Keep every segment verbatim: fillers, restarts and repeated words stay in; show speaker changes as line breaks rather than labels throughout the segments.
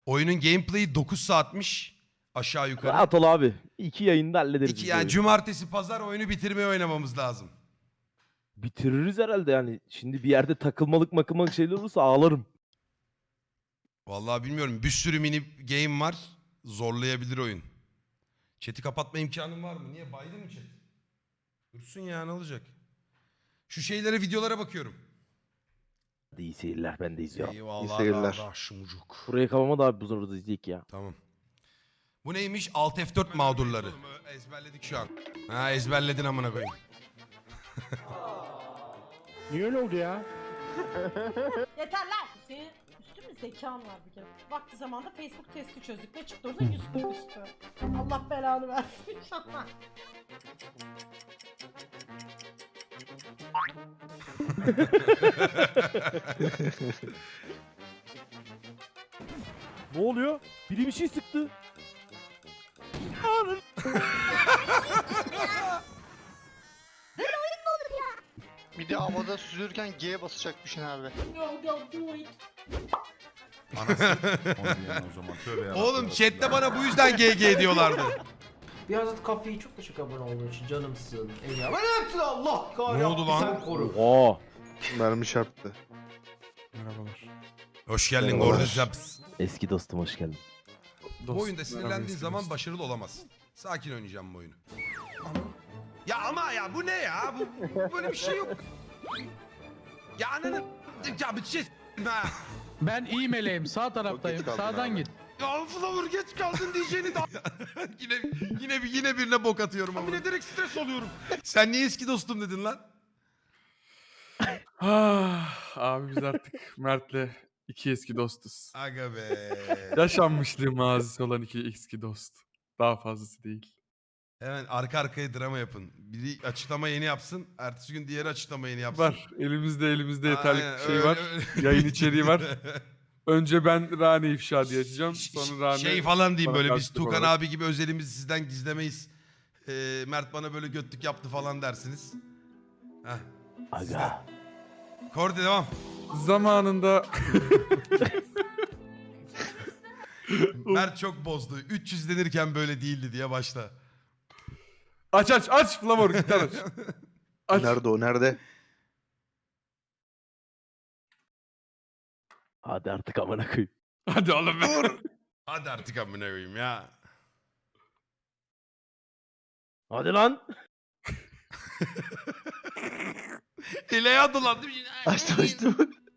Oyunun gameplay'i dokuz saatmiş. Aşağı yukarı.
Rahat ol abi. İki yayında hallederiz.
İki,
biz
yani
oyunu.
cumartesi pazar oyunu bitirmeye oynamamız lazım.
Bitiririz herhalde yani. Şimdi bir yerde takılmalık makılmalık şeyler olursa ağlarım.
Vallahi bilmiyorum. Bir sürü mini game var. Zorlayabilir oyun. Chat'i kapatma imkanın var mı? Niye? Baydın mı chat? Dursun ya, ne olacak? Şu şeylere, videolara bakıyorum.
Hadi iyi seyirler, ben de izliyorum.
Eyvallah.
İyi seyirler.
Kardeşimcuk.
Buraya kalmama da abi bu zorunda izleyecek ya.
Tamam. Bu neymiş? Alt F dört mağdurları. Ezberledik şu an. Ha, ezberledin amına koyayım.
Niye öyle oldu ya?
Yeter lan! Senin üstün mü zekan var bir kere. Vakti zamanda Facebook testi çözdük. Ne çıktı orada? Yüz üstü. Allah belanı versin inşallah.
Ne oluyor? Biri bir şey sıktı.
Bir de havada süzülürken G'ye basacakmışsın abi.
No, don't do it.
o zaman tövbe yarabbim.
Oğlum chatte bana bu yüzden G G diyorlardı.
Beyazıt Kafe'yi çok teşekkür abone olduğun için canımsın. Eyvallah. Ben hepsini Allah kahretsin.
Ne oldu lan?
Sen koru.
Oha.
Mermi çarptı.
Merhabalar.
Hoş geldin
Merhabalar.
Gordizaps.
Eski dostum hoş geldin.
Bu oyunda sinirlendiğin zaman başarılı olamazsın. Sakin oynayacağım bu oyunu. Ya ama ya bu ne ya? Bu, bu- böyle bir şey yok. Ya ananı... Ya bir şey... Ha.
Ben iyi meleğim. Sağ taraftayım.
geç kaldın
Sağdan
abi.
git.
Ya Flower geç kaldın diyeceğini da... yine, yine, bir, yine birine bok atıyorum ama. Yine direkt stres oluyorum. Sen niye eski dostum dedin lan?
Ah, abi biz artık Mert'le iki eski dostuz.
Aga be.
Yaşanmışlığı mazisi olan iki eski dost. Daha fazlası değil.
Hemen arka arkaya drama yapın. Biri açıklama yeni yapsın. Ertesi gün diğeri açıklama yeni yapsın.
Var. Elimizde elimizde yeterli
Aynen,
şey
öyle,
var.
öyle.
Yayın içeriği var. Önce ben Rane ifşa diye açacağım. Sonra Rane...
Şey falan diyeyim,
bana
böyle biz
karşılık
Tukan
olarak.
abi gibi özelimizi sizden gizlemeyiz. Ee, Mert bana böyle götlük yaptı falan dersiniz. Heh.
Aga.
Kordi devam.
Zamanında...
Mert çok bozdu. üç yüz denirken böyle değildi diye başla.
Aç aç aç Flamor gitar aç. Aç.
Nerede o? Nerede?
Hadi artık amına koyayım.
Hadi oğlum be.
Hadi artık amına koyayım ya.
Hadi lan.
Ele adılan değil mi?
Açtım açtım.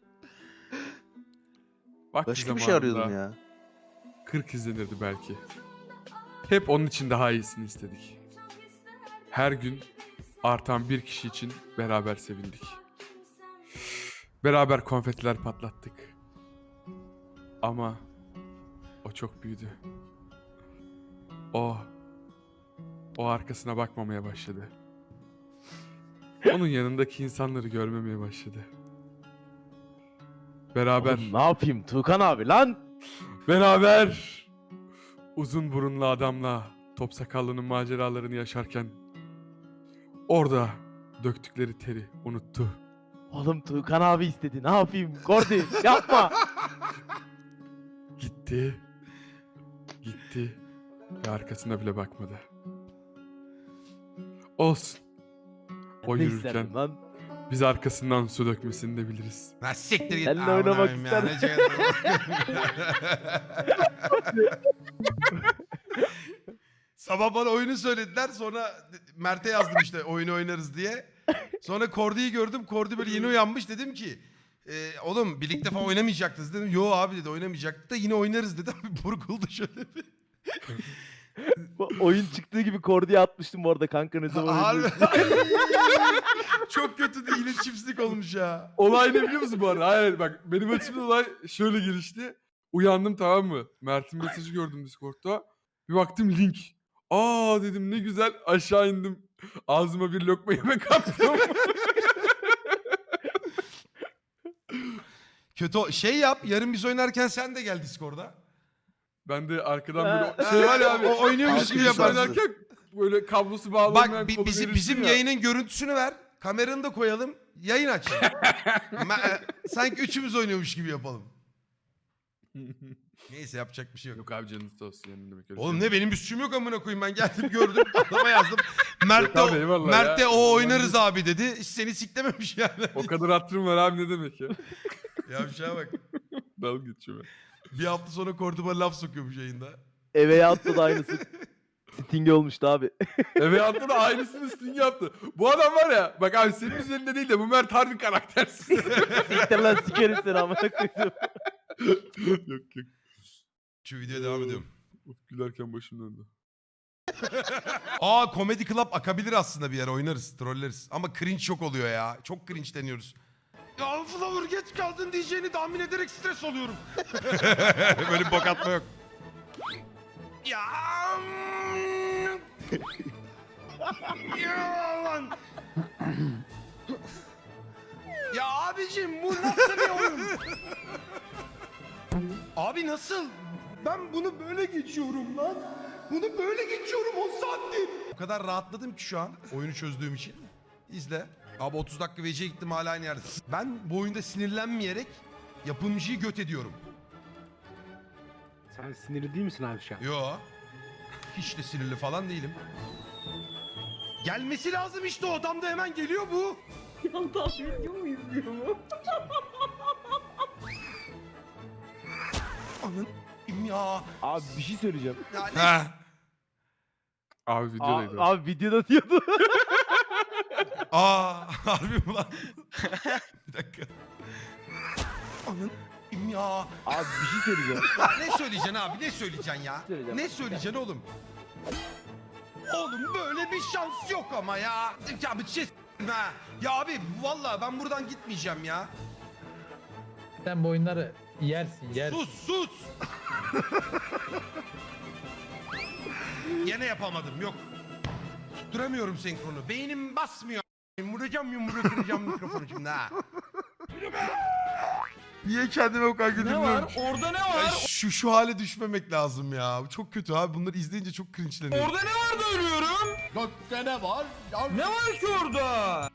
Vakti
Başka bir şey arıyordum
zamanında
ya.
kırk izlenirdi belki. Hep onun için daha iyisini istedik. Her gün artan bir kişi için beraber sevindik. Beraber konfetiler patlattık. Ama o çok büyüdü. O, o arkasına bakmamaya başladı. Onun yanındaki insanları görmemeye başladı. Beraber,
Oğlum, ne yapayım Tukan abi lan?
beraber uzun burunlu adamla top sakallının maceralarını yaşarken orada döktükleri teri unuttu.
Oğlum Tukan abi istedi. Ne yapayım? Gordi yapma.
Gitti. Gitti. Ve arkasına bile bakmadı. Olsun. O
Ne
yürürken
isterdim lan?
biz arkasından su dökmesini de biliriz.
Ha siktir git.
Seninle
Amına
oynamak
koyayım ya, ne
ister.
şey- Sabah bana oyunu söylediler, sonra Mert'e yazdım işte oyunu oynarız diye. Sonra Kordi'yi gördüm. Kordi böyle yeni uyanmış, dedim ki e, oğlum birlikte falan oynamayacaktınız dedim. Yo abi dedi, oynamayacaktık da yine oynarız dedim. Burkuldu şöyle bir.
Bu oyun çıktığı gibi Kordi'ye atmıştım bu arada kanka ne zaman
Harbi.
oynuyorsun?
Çok kötü değil, iletişimsizlik olmuş ya.
Olay ne biliyor musun bu arada? Hayır bak benim açımdan olay şöyle gelişti. Uyandım tamam mı? Mert'in mesajı gördüm Discord'da. Bir baktım link. Aa dedim ne güzel, aşağı indim. Ağzıma bir lokma yemek attım.
Kötü o- şey yap, yarın biz oynarken sen de gel Discord'a.
Ben de arkadan
Ha,
böyle şey var ya abi.
o oynuyormuş gibi
Arkadaş
yaparsın.
oynarken böyle kablosu bağlamayan
Bak bi-
kolu
bizim,
verirsin
bizim
ya.
yayının görüntüsünü ver. Kameranı da koyalım. Yayın aç. Ma- e, Sanki üçümüz oynuyormuş gibi yapalım. Neyse yapacak bir şey yok.
Yok abi canınız sağ olsun yani demek öyle.
Oğlum
şey.
ne benim bir suçum yok amına koyayım, ben geldim gördüm adama yazdım. Mert de,
Yok abi, eyvallah
Mert de
ya.
o oynarız abi dedi. Hiç seni siklememiş yani.
O kadar hatırım var abi ne demek ya.
Ya bir şeye bak.
Dalga geçiyor ben.
Bir hafta sonra Kordoba laf sokuyormuş yayında.
Eve yattı da aynısı. Sting olmuştu abi.
Eve attı da aynısını Sting yaptı. Bu adam var ya bak abi senin üzerinde değil de bu Mert harbi karaktersiz.
Siktir lan sikerim seni amına koydum.
yok yok.
Şu videoya devam ediyorum.
Of, gülerken başım döndü.
Aa Comedy Club akabilir aslında, bir yer oynarız, trolleriz. Ama cringe çok oluyor ya. Çok cringe deniyoruz. Ya Flower geç kaldın diyeceğini tahmin ederek stres oluyorum. Böyle bir bok atma yok. Ya. Ya lan. Ya abicim bu nasıl bir oyun? Abi nasıl? Ben bunu böyle geçiyorum lan. Bunu böyle geçiyorum on saattir. O kadar rahatladım ki şu an oyunu çözdüğüm için. İzle. Abi otuz dakika V C'ye gittim hala aynı yerde. Ben bu oyunda sinirlenmeyerek yapımcıyı göt ediyorum.
Sen sinirli değil misin abi şu an?
Yo. Hiç de sinirli falan değilim. Gelmesi lazım işte, o adam da hemen geliyor bu.
Yandan video mu izliyor mu?
Anın ya.
Abi bir şey söyleyeceğim.
Ya ne-
Abi
Aa,
videodaydı.
abi videoda diyordu.
Aa harbi mi lan? Bir dakika. Anın ya.
Abi bir şey söyleyeceğim.
Ya ne söyleyeceksin abi, ne söyleyeceksin ya?
Söyleyeceğim.
Ne söyleyeceksin oğlum? Oğlum böyle bir şans yok ama ya. Ya bir şey s- ha. Ya abi vallahi ben buradan gitmeyeceğim ya.
Sen bu oyunları yersin yersin.
Sus sus. Yine yapamadım, yok. Tutturamıyorum senkronu. Beynim basmıyor. Vuracağım yumruğu kıracağım mikrofonu şimdi ha. Niye kendime o kadar güldürmüyorum?
Orada ne
Ya şu şu hale düşmemek lazım ya. Bu çok kötü abi. Bunları izleyince çok cringe'leniyorum.
ne var da ölüyorum? Gökte ne var? Ne var ki orada?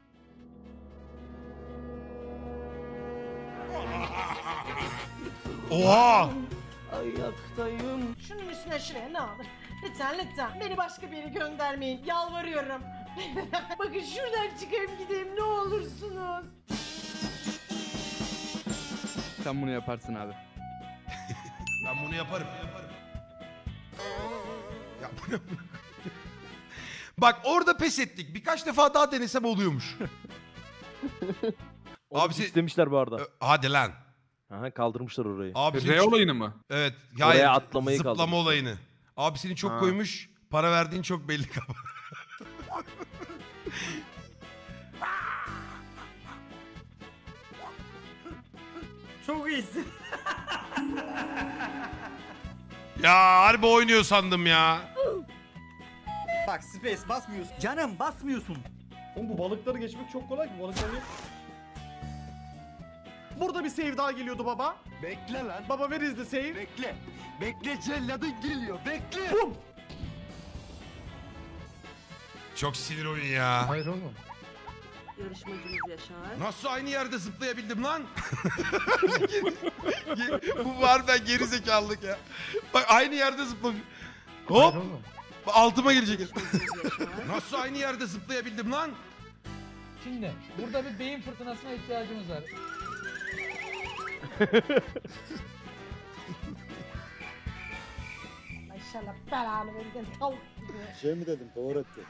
Oha!
Ayaktayım.
Şunun üstüne şuraya ne olur. Lütfen lütfen. Beni başka bir yere göndermeyin. Yalvarıyorum. Bakın şuradan çıkayım gideyim ne olursunuz.
Sen bunu yaparsın abi.
Ben bunu yaparım. Ya bu ne? Bak orada pes ettik. Birkaç defa daha denesem oluyormuş.
Abi
Abi sen-
istemişler bu arada.
Ö, Hadi lan.
Aha kaldırmışlar orayı.
Abi senin
R
çok-
olayını mı?
Evet.
Oraya atlamayı
Zıplama
kaldırmışlar.
olayını. Abi seni çok
Ha.
koymuş. Para verdiğin çok belli kaba.
Çok iyisin.
Ya harbi oynuyor sandım ya.
Bak space basmıyorsun. Canım basmıyorsun.
Oğlum bu balıkları geçmek çok kolay ki. Balıkları geç. Burada bir save daha geliyordu baba.
Bekle lan.
Baba ver izle save.
Bekle. Bekle celladın geliyor. Bekle.
Bum.
Çok sinir oyun ya.
Hayır oğlum.
Yarışmacımız Yaşar.
Nasıl aynı yerde zıplayabildim lan? Bu harbiden geri zekalılık ya. Bak aynı yerde zıplamış.
Hayır
Hop
oğlum.
altıma girecek. Nasıl aynı yerde zıplayabildim lan?
Şimdi burada bir beyin fırtınasına ihtiyacımız var.
İnşallah belanı verirken tavuk gibi.
Şey mi dedim? Doğru etti.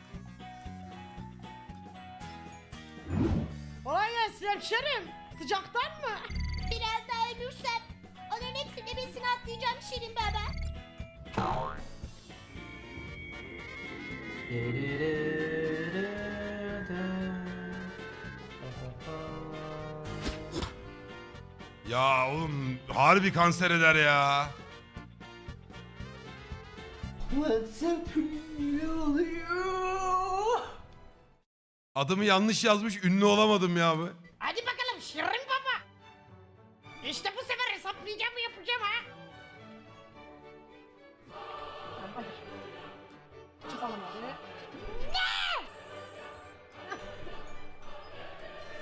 Kolay gelsin hemşerim. Sıcaktan mı?
Biraz daha ölürsem onların hepsini besini atlayacağım Şirin Baba.
Ya oğlum harbi kanser eder ya. Adımı yanlış yazmış, ünlü olamadım ya bu.
Hadi bakalım Şirin Baba. İşte bu sefer hesaplayacağım yapacağım ha. Hayır. Çıkalım hadi.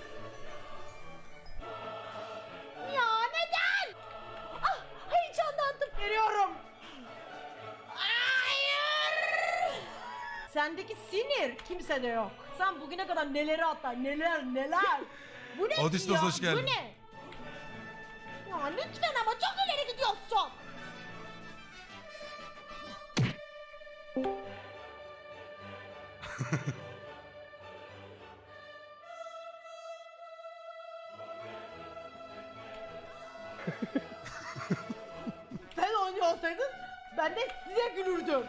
Ya neden? Ah heyecandan sendeki sinir kimsede yok. Sen bugüne kadar neleri atlar, neler neler. Bu ne
Odysseus,
ya?
hoş geldin.
Bu ne? Ya lütfen ama çok ileri gidiyorsun. Sen oynuyor olsaydın ben de size gülürdüm.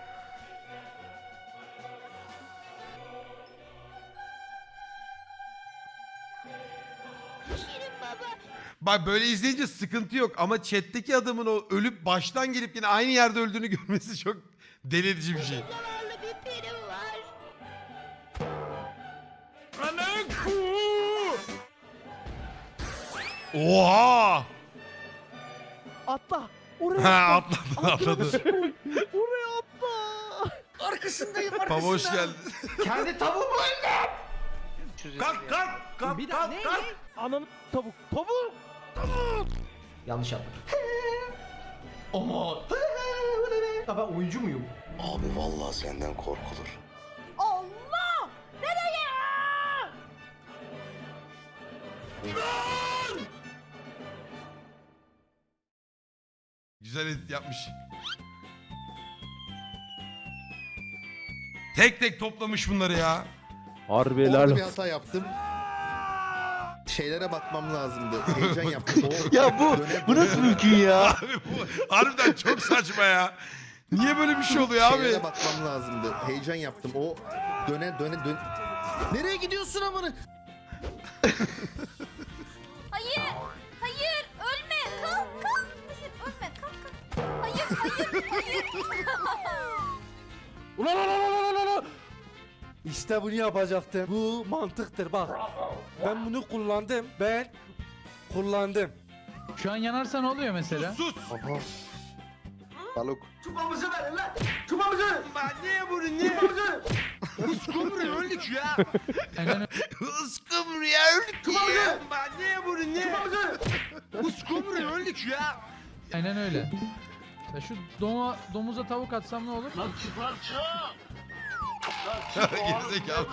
Şirin baba.
Bak böyle izleyince sıkıntı yok ama chat'teki adamın o ölüp baştan gelip yine aynı yerde öldüğünü görmesi çok deli edici bir şey.
Zavallı bir peri var.
Oha!
Atla. Oraya
Ha
atla.
atladı atladı.
Oraya atla.
Arkasındayım
Baba hoş geldin.
Kendi tavuğumu öldüm.
kalk kalk kalk
Bir
kalk
daha ne?
kalk.
Ananı tavuk. Tavuk.
Yanlış yaptım. Ama. Ya ben oyuncu muyum?
Abi vallahi senden korkulur.
Allah! Nereye?
Güzel edit yapmış. Tek tek toplamış bunları ya.
Harbi helal.
hata yaptım. Şeylere bakmam lazımdı. Heyecan yaptım.
Ya bu bu nasıl mümkün ya?
Abi bu harbiden çok saçma ya. Niye böyle bir şey oluyor abi?
Şeylere bakmam lazımdı. Heyecan yaptım. O döne döne dön. Nereye gidiyorsun amına?
Hayır. Hayır. Ölme. Kalk kalk. Hayır ölme. Kalk kalk. Hayır hayır hayır.
Ulan ulan ulan ulan ulan. İşte bunu yapacaktım. Bu mantıktır bak. Ben bunu kullandım. Ben kullandım.
Şu an yanarsa ne oluyor mesela?
Sus.
Balık.
Çubamızı verin lan. Çubamızı.
Niye bunu niye? Iskumru öldük ya.
Aynen,
Iskumru ya öldük ya. Niye bunu niye? Iskumru öldük ya.
aynen öyle. Ya şu doma, domuza tavuk atsam ne olur?
Gerizekalı.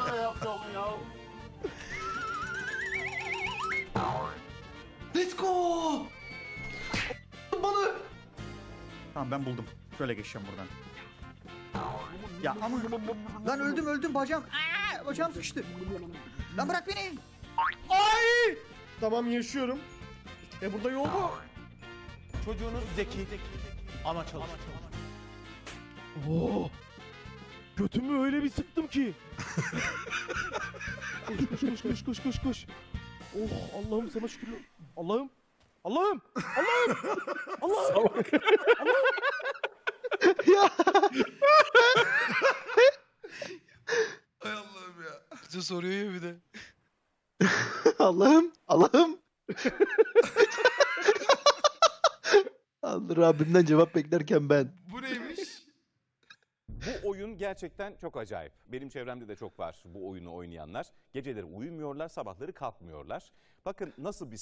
Let's go. Balı.
Tamam ben buldum. Şöyle geçeceğim buradan. Ya ama lan öldüm öldüm bacağım. Aa, bacağım sıkıştı. Lan bırak beni. Ay! Tamam yaşıyorum. E burada yol bu. Çocuğunuz zeki. Ama çalış.
Oo. Götümü öyle bir sıktım ki. koş koş koş koş koş koş koş. Oh Allah'ım sana şükür. Allah'ım. Allah'ım. Allah'ım. Allah'ım.
Hay Allah'ım ya.
Bize soruyor ya bir de.
Allah'ım, Allah'ım. Allah Rabbimden cevap beklerken ben.
Bu neymiş?
Bu oyun gerçekten çok acayip. Benim çevremde de çok var bu oyunu oynayanlar. Geceleri uyumuyorlar, sabahları kalkmıyorlar. Bakın nasıl bir